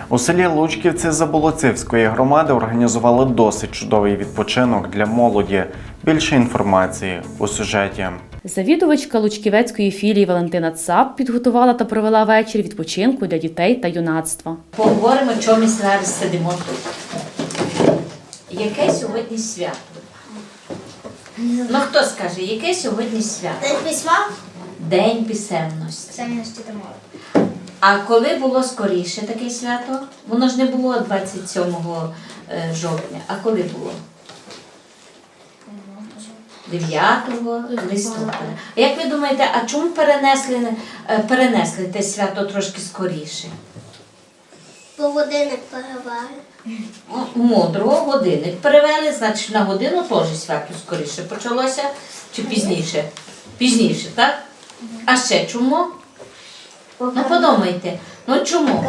У селі Лучківці Заболоцівської громади організували досить чудовий відпочинок для молоді. Більше інформації у сюжеті. Завідувачка Лучківецької філії Валентина Цап підготувала та провела вечір відпочинку для дітей та юнацтва. Поговоримо, чому ми зараз сидимо тут. Яке сьогодні свято? Ну хто скаже, яке сьогодні свято? День письма? День писемності. Писемності та мови. А коли було скоріше таке свято? Воно ж не було 27 жовтня. А коли було? 9 листопада. А як ви думаєте, а чому перенесли те свято трошки скоріше? Бо годинник переваги. Мудро, годинник перевели, значить на годину теж свято скоріше почалося чи пізніше? Пізніше, так? А ще чому? Ну подумайте, ну чому?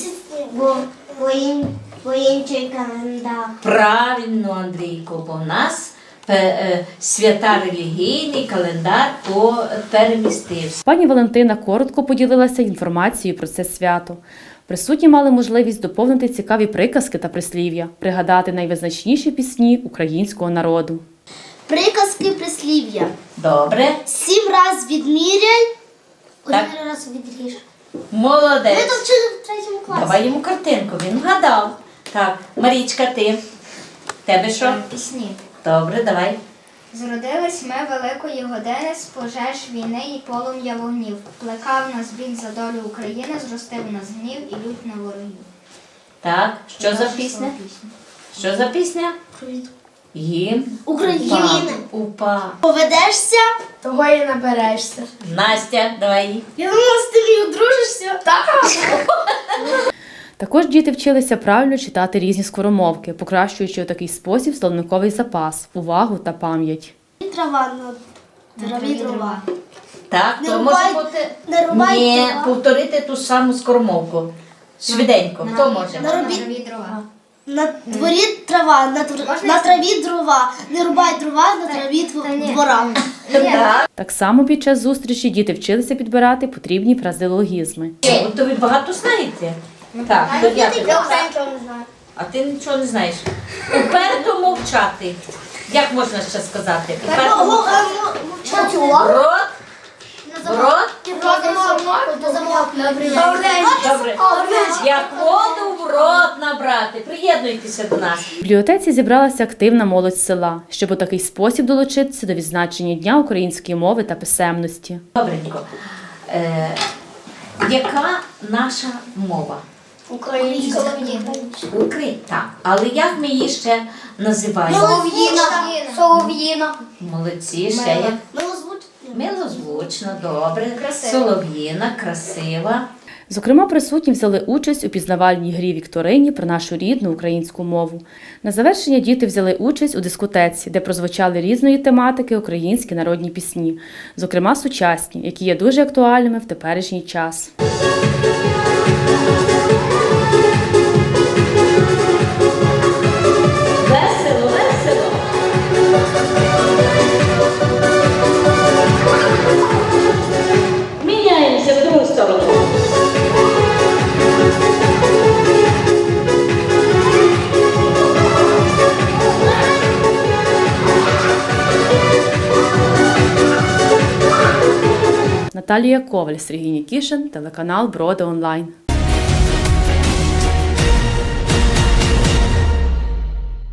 Бо інший календар. Правильно, Андрійко, бо в нас свята релігійний календар перемістився. Пані Валентина коротко поділилася інформацією про це свято. Присутні мали можливість доповнити цікаві приказки та прислів'я, пригадати найвизначніші пісні українського народу. Приказки, прислів'я. Добре. 7 раз відміряй, Так. 1 раз відріж. Молодець. Ми то вчили в 3 класі. Давай йому картинку, він вгадав. Так, Марічка, ти? Тебе що? Пісні. Добре, давай. Зродились ми великої години з пожеж війни і полум'я вогнів. Плекав нас біль за долю України, зростив нас гнів і лють на ворогів. Так, що за Наша пісня? пісня. Що за пісня? Гімн України. УПА. Поведешся, того і наберешся. Настя, давай. Я думала, з тобі одружишся. Так. Також діти вчилися правильно читати різні скоромовки, покращуючи у такий спосіб словниковий запас, увагу та пам'ять. Трава на траві дрова. Так, Не то рубай- може бути. не рубай Ні, дрова. повторити ту саму скоромовку. Швиденько. Хто може? На На робіт- траві дрова. На дворі трава, на траві дрова. Не рубай дрова, на траві двора. Так. Так само під час зустрічі діти вчилися підбирати потрібні фразеологізми. То ви багато знаєте? Так, то Я дякую. нічого не знаю. А ти нічого не знаєш. Уперто мовчати. Як можна ще сказати? Уперто мовчати. Рот. Рот. Добре. Як воду в рот набрати. Приєднуйтеся до нас. В бібліотеці зібралася активна молодь села, щоб у такий спосіб долучитися до відзначення Дня української мови та писемності. Добренько. Яка наша мова? Українська. Так. Але як ми її ще називаємо? Солов'їна. Молодці, ще як? Милозвучна. Милозвучно, добре. Красива. Солов'їна, красива. Зокрема, присутні взяли участь у пізнавальній грі вікторині про нашу рідну українську мову. На завершення діти взяли участь у дискотеці, де прозвучали різної тематики українські народні пісні, зокрема сучасні, які є дуже актуальними в теперішній час. Весело, весело. Міняємося в другу сторону. Наталія Коваль, Сергій Нікішин, телеканал Броди Онлайн.